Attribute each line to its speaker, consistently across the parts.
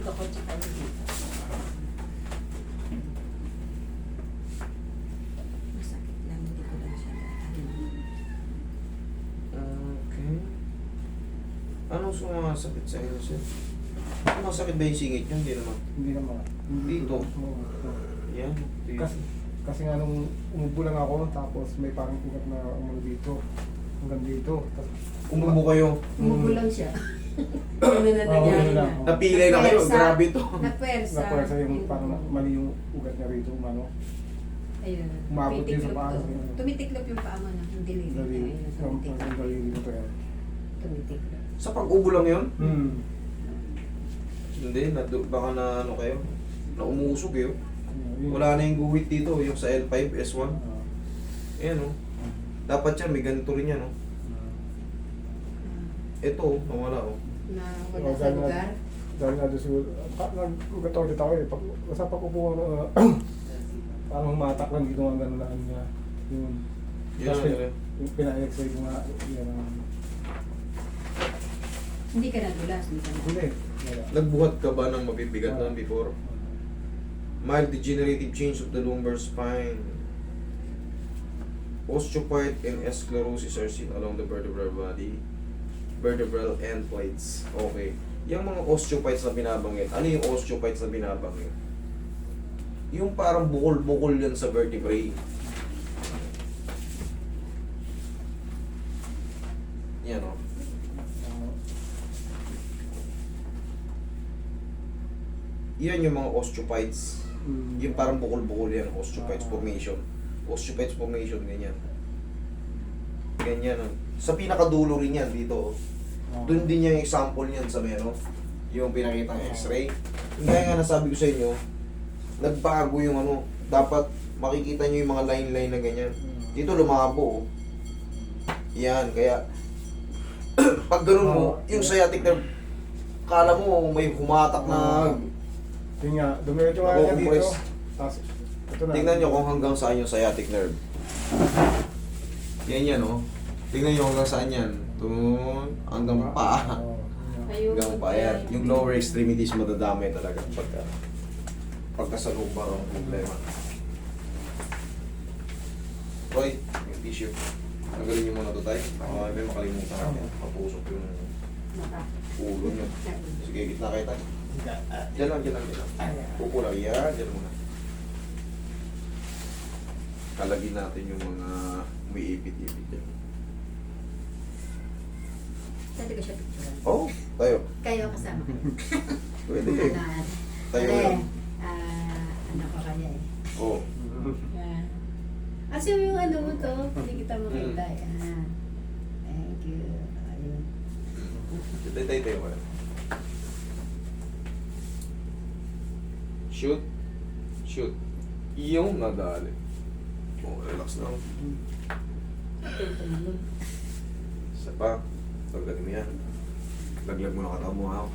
Speaker 1: dito ko tsaka dito. Masakit lang, hindi ko lang siya
Speaker 2: Okay. Anong sumasakit sa inyo, sir? Masakit ba yung singit nyo? Hindi naman.
Speaker 3: Hindi naman.
Speaker 2: Dito?
Speaker 3: Oo.
Speaker 2: Yan. Dito.
Speaker 3: Kasi nga nung umubo lang ako, tapos may parang ugat na umano dito. Hanggang dito. Tapos,
Speaker 2: Umubo kayo.
Speaker 1: Umubo lang siya. Ano na
Speaker 3: Oo,
Speaker 1: nangyari
Speaker 3: yun
Speaker 1: na?
Speaker 3: lang.
Speaker 2: Napilay na kayo.
Speaker 1: Napersa.
Speaker 2: Grabe to.
Speaker 1: Napersa.
Speaker 3: napuwersa yung parang mali yung ugat niya rito. Umano.
Speaker 1: Ayun.
Speaker 3: Umabot din sa
Speaker 1: Tumitiklop
Speaker 3: paa.
Speaker 1: to. Tumitiklop yung paa mo na. Yung dilili.
Speaker 3: Dali.
Speaker 1: Ayun,
Speaker 3: Yung
Speaker 1: tumitiklop.
Speaker 3: daliri nito yan.
Speaker 1: Tumitiklop.
Speaker 2: Sa pag-ubo lang yun? Hindi. Baka na ano kayo? Na umusog eh. Wala na yung guhit dito. Yung sa L5, S1. Ayan o. Dapat yan. May ganito rin yan o. Ito o. Nawala o.
Speaker 1: Na wala sa lugar.
Speaker 3: Dahil nga doon siguro, nag-ugat ako dito ako eh. Basta pag upo ko, parang humatak lang dito nga gano'n lang niya. Yun.
Speaker 2: Yun
Speaker 3: Tapos
Speaker 2: lang yun.
Speaker 3: yung pina-x-ray ko nga, yan ang...
Speaker 1: Hindi ka nadulas. Hindi ka
Speaker 3: Hindi.
Speaker 1: nadulas.
Speaker 3: Wala.
Speaker 2: Nagbuhat ka ba ng mabibigat na before? Mild degenerative change of the lumbar spine. Osteophyte and sclerosis are seen along the vertebral body. Vertebral endpoints. Okay. Yung mga osteophytes na binabanggit, ano yung osteophytes na binabanggit? Yung parang bukol-bukol yan sa vertebrae. Yan o. Yan yung mga osteophytes. Yung parang bukol-bukol yan, osteophytes formation. Osteophytes formation, ganyan. Ganyan. Sa pinakadulo rin yan, dito. Doon din yung example niyan sa meron. Yung pinakitang x-ray. Kaya nga nasabi ko sa inyo, nagbago yung ano, dapat makikita nyo yung mga line-line na ganyan. Dito lumabo. Yan, kaya pag ganun mo, yung sciatic nerve, kala mo may humatak na
Speaker 3: Yun nga, dumiretso nga niya dito.
Speaker 2: Nakukompress.
Speaker 3: Tapos, ito na.
Speaker 2: tingnan nyo kung hanggang saan yung sciatic nerve. Yan yan, oh. Tingnan nyo hanggang saan yan. Doon, hanggang paa.
Speaker 1: Ayun.
Speaker 2: Hanggang paa yan. Yung lower extremities madadamay talaga pagka sa lumbar ang problema. Roy, yung tissue. Tagalin nyo muna ito tayo. Baka may makalimutan natin. Papusok yung ulo nyo. Sige, gitna kayo tayo. Diyan lang. Upo lang. Yan, diyan muna. Kalagin natin yung mga umiipit-ipit dyan.
Speaker 1: Pwede ko siya picturean.
Speaker 2: Oh, tayo.
Speaker 1: Kayo kasama.
Speaker 2: Pwede kayo. Tayo lang.
Speaker 1: Ano ko kaya eh.
Speaker 2: Oh.
Speaker 1: Yan. Kasi yung ano mo to, hindi kita makita. Yan. Thank you. Ayun.
Speaker 2: Tayo muna. Shoot. Shoot. Yung nadali. Oh, relax lang. Isa pa. Laglag mo yan. Laglag mo na katawan mo ha.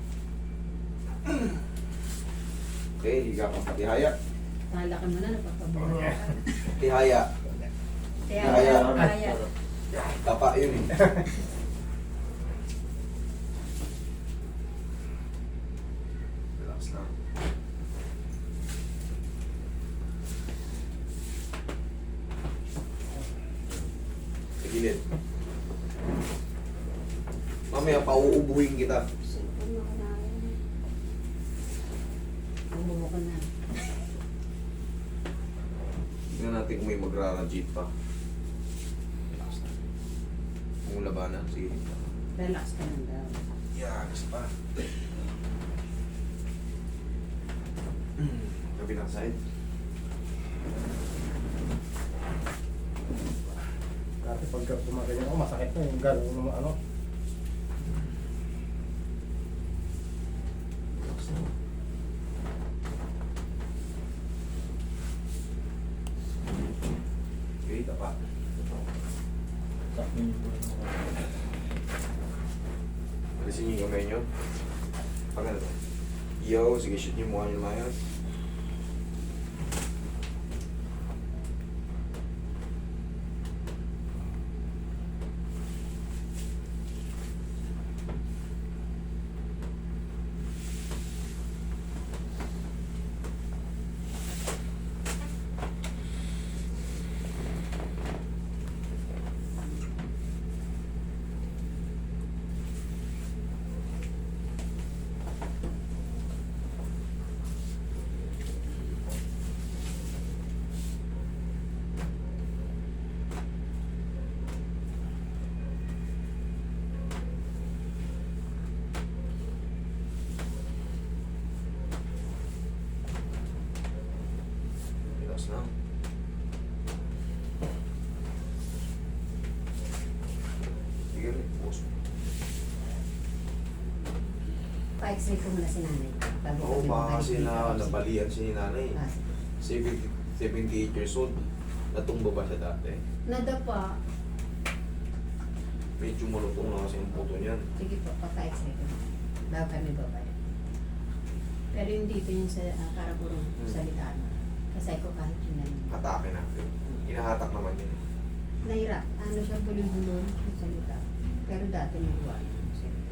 Speaker 2: Okay, higa kang patihaya.
Speaker 1: Malaki mo na, napapabala ka.
Speaker 2: Tihaya.
Speaker 1: Kaya.
Speaker 2: Tapa yun eh. Relax lang. Sa gilid. Mamaya pauubuhin kita.
Speaker 1: Umubo ko na.
Speaker 2: Tingnan natin kung may magrarajit pa. Relax na. Kung labanan, sige.
Speaker 1: Relax ka lang daw.
Speaker 2: Yeah, gusto pa. Kabilang side.
Speaker 3: Dati pagka tumaganyan ako, masakit na yung gano'n ng ano.
Speaker 2: Relax na. Okay, tapa. Alisin niyo yung kamay niyo. Pag ano to? Yo, sige, shoot niyo mukha niyo mayas. Relax na. Sige rin, pause mo.
Speaker 1: Pa-x-ray ko muna si nanay. Bago
Speaker 2: Oo,
Speaker 1: kami
Speaker 2: baka kasi
Speaker 1: makikita.
Speaker 2: nabalian si nanay.
Speaker 1: Ah,
Speaker 2: 78 years old. Natumba ba siya dati?
Speaker 1: nadapa.
Speaker 2: Medyo malutong na kasi ang puto niyan.
Speaker 1: Sige po, pa-x-ray ko. Bago kami babaya. Pero yung dito yung sa Karaburong salita. Kasi ko kahit yun na yun.
Speaker 2: Atake natin. Hinahatak naman yun.
Speaker 1: Nahirap. Ano siya bulong-bulong yung salita. Pero dati nagawa yung salita.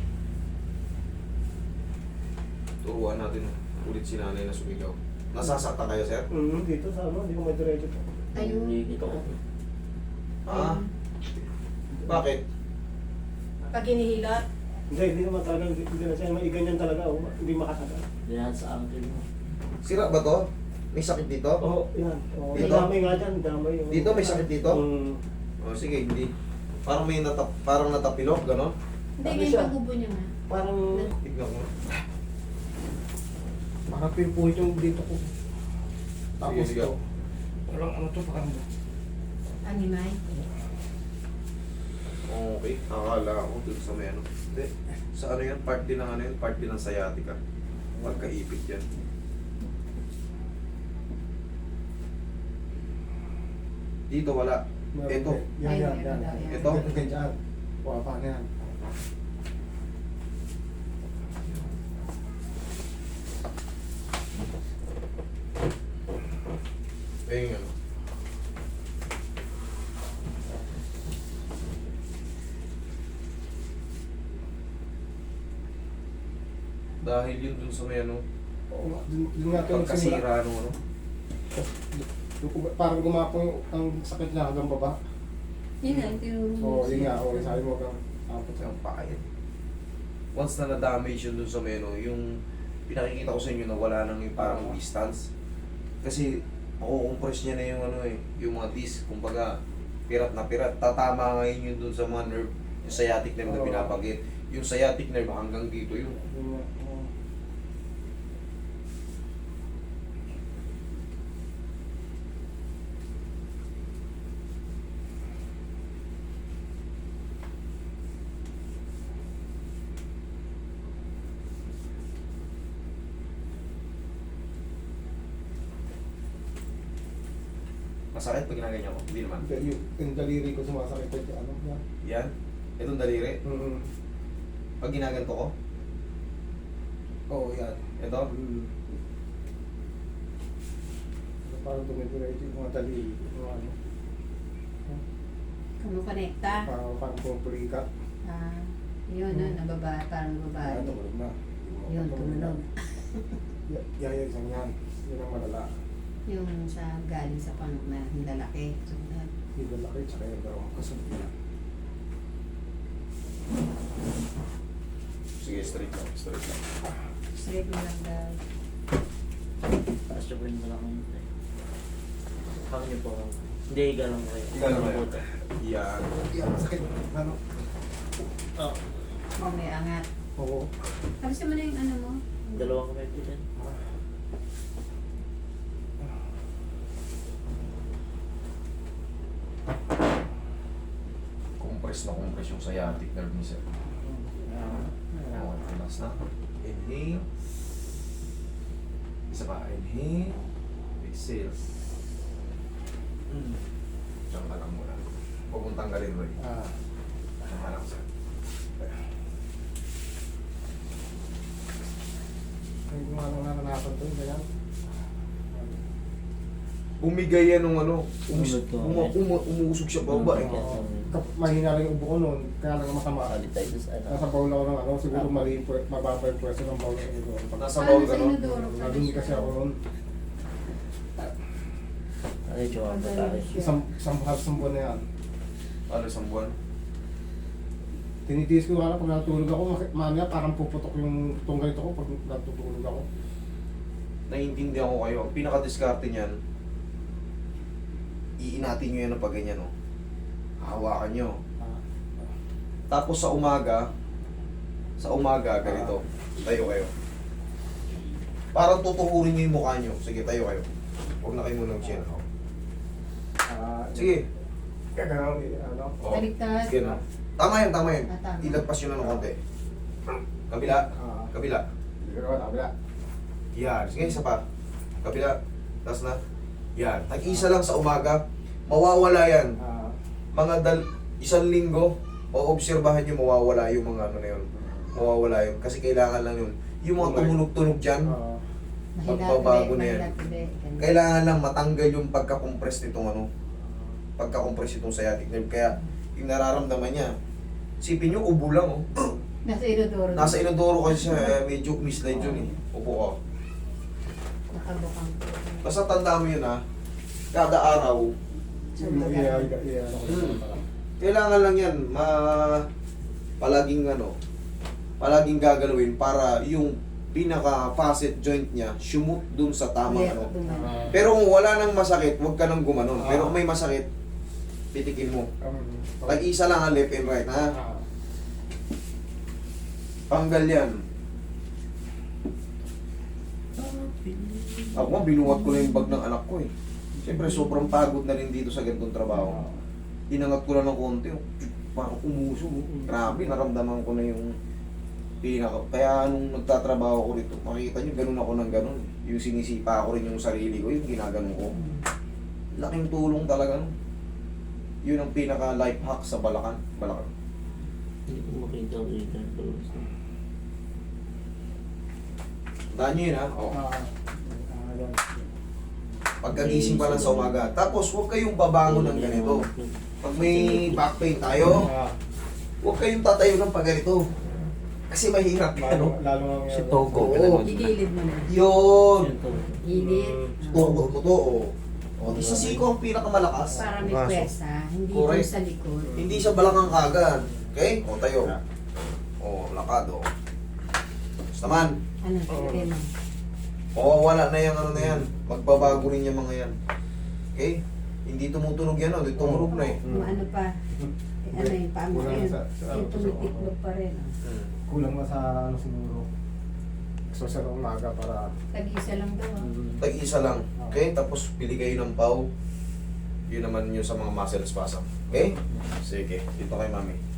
Speaker 2: Turuan natin ulit si nanay na sumigaw. Nasasaktan kayo, sir?
Speaker 3: Dito sa ano, hindi ko may diretso.
Speaker 1: Ayun.
Speaker 4: Ito ko.
Speaker 2: Ah? Bakit?
Speaker 1: Pag hinihilot,
Speaker 3: Hindi naman talaga, hindi na siya, may ganyan talaga, oh. Hindi makatagal.
Speaker 4: Diyan sa ankle mo.
Speaker 2: Sira ba to? May sakit dito?
Speaker 3: Oo, yan. Oh,
Speaker 2: Dito?
Speaker 3: damay nga dyan, damay. Oh.
Speaker 2: Dito? May sakit dito?
Speaker 3: Mm.
Speaker 2: O sige, hindi. Parang may parang natapilok, gano'n?
Speaker 1: hindi
Speaker 3: Sabi
Speaker 1: nga
Speaker 3: siya.
Speaker 1: yung pagbubo niya nga.
Speaker 3: Parang,
Speaker 2: Tignan ko.
Speaker 3: parang pinpuhit yung dito ko. Tapos
Speaker 2: Sige, sige.
Speaker 3: to, parang ano to, parang
Speaker 1: Animay.
Speaker 2: Okay, akala ko dun sa may ano. Hindi. Sa ano yan? Part din ng ano yan? Part din ng sciatica. Pagkaipit yan. Dito wala. Ito.
Speaker 3: Yan, yan, yan.
Speaker 2: Ito?
Speaker 3: Ganyan. Wapa na yan.
Speaker 2: Ayun yun. Dahil yun dun sa may ano,
Speaker 3: Oo nga, dun nga ito nagsimula.
Speaker 2: pagkasira ano ano.
Speaker 3: Parang gumapong ang sakit niya hanggang baba.
Speaker 1: Yun nga, yung tinuro mo.
Speaker 3: Oo, yun nga. Oo, sabi mo kang tapos.
Speaker 2: Ang pakain. Once na na-damage yun dun sa meno, yung pinakikita ko sa inyo na wala nang yung parang distance. Kasi makukompress niya na yung ano eh, yung mga disc, kumbaga pirat na pirat. Tatama ngayon yun dun sa mga nerve, yung sciatic nerve na
Speaker 3: Oo.
Speaker 2: pinapagit. Yung sciatic nerve hanggang dito yun.
Speaker 3: Yun nga, oo.
Speaker 2: Masakit pag ginaganyan ko? Hindi naman.
Speaker 3: Hindi, yung daliri ko sumasakit ko dyan. Ano yan?
Speaker 2: Yan. Itong daliri.
Speaker 3: Mm.
Speaker 2: Pag ginaganto ko,
Speaker 3: Oo, yan.
Speaker 2: ito.
Speaker 3: Mm. Parang tumidiretso yung mga daliri. Yung ano.
Speaker 1: Kumukonekta.
Speaker 3: Parang pumupulika.
Speaker 1: Ah, yun, no, nababa, parang nababa.
Speaker 3: Tulog na.
Speaker 1: Yun, tumunog.
Speaker 3: Yaya isang yan. Yun ang malala.
Speaker 1: Yung sa galing sa pang na lalaki. Sumunod.
Speaker 3: Yung lalaki, tsaka yung dalawang kasunod niya.
Speaker 2: Sige, straight lang. Straight lang.
Speaker 1: Straight mo lang daw.
Speaker 4: Taas siya po yung malaking ito eh. Kami niyo po. Hindi, ganun kayo.
Speaker 2: Ganun kayo.
Speaker 4: Puto.
Speaker 2: Yan.
Speaker 3: Yan, sakit. Ano?
Speaker 4: Oh,
Speaker 1: Oh, may angat.
Speaker 3: Oo.
Speaker 1: Tapos mo na yung ano mo.
Speaker 4: dalawang kamay po dyan.
Speaker 2: Compress na compress yung sciatic nerve ni sir. Okay, relax na. Inhale. Isa pa. Inhale. Exhale. Diyan ka lang muna. Huwag mong tanggalin mo eh. Diyan ka lang sir.
Speaker 3: Hindi ko nga nang naranasan to, ganyan.
Speaker 2: Bumigay yan nung ano.
Speaker 4: Umusog to.
Speaker 2: Umuusog siya baba eh.
Speaker 4: Oo.
Speaker 3: Mahina lang yung ubo ko noon, kaya lang masama.
Speaker 4: Kalitay doon sa ano.
Speaker 3: Nasa bowl ako ng ano, siguro mali yung mababa yung pwesto ng bowl ng ito.
Speaker 2: Nasa bowl ka
Speaker 1: sa
Speaker 2: no?
Speaker 1: inodoro?
Speaker 3: Naging kasi ako noon,
Speaker 4: Ano yung tsura po tayo?
Speaker 3: isang buwan na yan.
Speaker 2: Ano isang buwan?
Speaker 3: Tinitiis ko nga lang, pag natulog ako, mamaya parang puputok yung tunggal ito ko pag natutulog ako.
Speaker 2: Naiintindihan ko kayo. Ang pinaka-discarte niyan, iinatin nyo yan ng pag ganyan, no? Hawakan nyo. Tapos sa umaga, ganito, tayo kayo. Parang tutukurin nyo yung mukha nyo. Sige, tayo kayo. Huwag na kayo muna mag-chin. Sige.
Speaker 3: Kaya ganun, ano.
Speaker 2: Oh.
Speaker 1: Baliktad.
Speaker 2: Sige na. Tama yan, tama yan.
Speaker 1: Tama.
Speaker 2: Ilagpas yun na ng konti. Kabila. Kabila.
Speaker 3: Kabila.
Speaker 2: Yan. Sige, isa pa. Kabila. Tapos na. Yan. Tag-isa lang sa umaga. Mawawala yan. Mga isang linggo, o-obserbahan nyo mawawala yung mga ano na yun. Mawawala yun. Kasi kailangan lang yun. Yung mga tumunog-tunog dyan, magbabago na yan. Kailangan lang matanggal yung pagka-compress nitong ano. Pagka-compress itong sciatic nerve. Kaya yung nararamdaman niya, sipin nyo, ubo lang oh.
Speaker 1: Nasa inodoro.
Speaker 2: Nasa inodoro kasi siya, medyo mislide yun eh. Upo ka.
Speaker 1: Nakabukang po.
Speaker 2: Basta tanda mo yun ha, kada araw, kailangan lang yan, palaging ano, palaging gagalawin para yung pinaka-facet joint niya, sumut dun sa tamang ano. Pero kung wala nang masakit, huwag ka nang gumanon. Pero kung may masakit, pitikin mo. Tag-isa lang ang left and right, ha? Tanggal yan. Ako nga, binuwat ko na yung bag ng anak ko eh. Siyempre, sobrang pagod na rin dito sa ganitong trabaho. Inangat ko lang ng konti, parang umuso. Grabe, naramdaman ko na yung pinaka. Kaya nung nagtatrabaho ko dito, makikita nyo, ganun ako ng ganun. Yung sinisipa ko rin yung sarili ko, yung ginaganon ko. Laking tulong talaga. No? Yun ang pinaka life hack sa Balacan. Balacan.
Speaker 4: Hindi ko makita ko dito.
Speaker 2: Tandaan nyo yun ha? Oo. Pagkagising pa lang sa umaga. Tapos huwag kayong babangon ng ganito. Pag may back pain tayo, huwag kayong tatayo ng pag ganito. Kasi mahirap yan.
Speaker 3: Lalo
Speaker 4: Si Togo.
Speaker 2: Oo.
Speaker 1: Igilid mo na.
Speaker 2: Yun.
Speaker 1: Gilid.
Speaker 2: Tugot mo to. O, sa siko ang pinakamalakas.
Speaker 1: Para may pwersa. Hindi
Speaker 2: Correct.
Speaker 1: dun sa likod.
Speaker 2: Hindi sa balakang kagad. Okay? O, tayo. O, lakad o. Basta man.
Speaker 1: Ano? Kaya
Speaker 2: Mawawala na yung ano na yan. Magbabago rin yung mga yan. Okay? Hindi tumutunog yan, hindi tumunog na eh.
Speaker 1: Kung ano pa. Ano yung paa mo yun. Yung tumitiklog pa rin.
Speaker 3: Kulang na sa ano siguro. So sa umaga para
Speaker 1: Tag-isa lang daw.
Speaker 2: Tag-isa lang. Okay? Tapos pili kayo ng pau. Yun naman yun sa mga muscle spasm. Okay? Sige. Dito kay mami.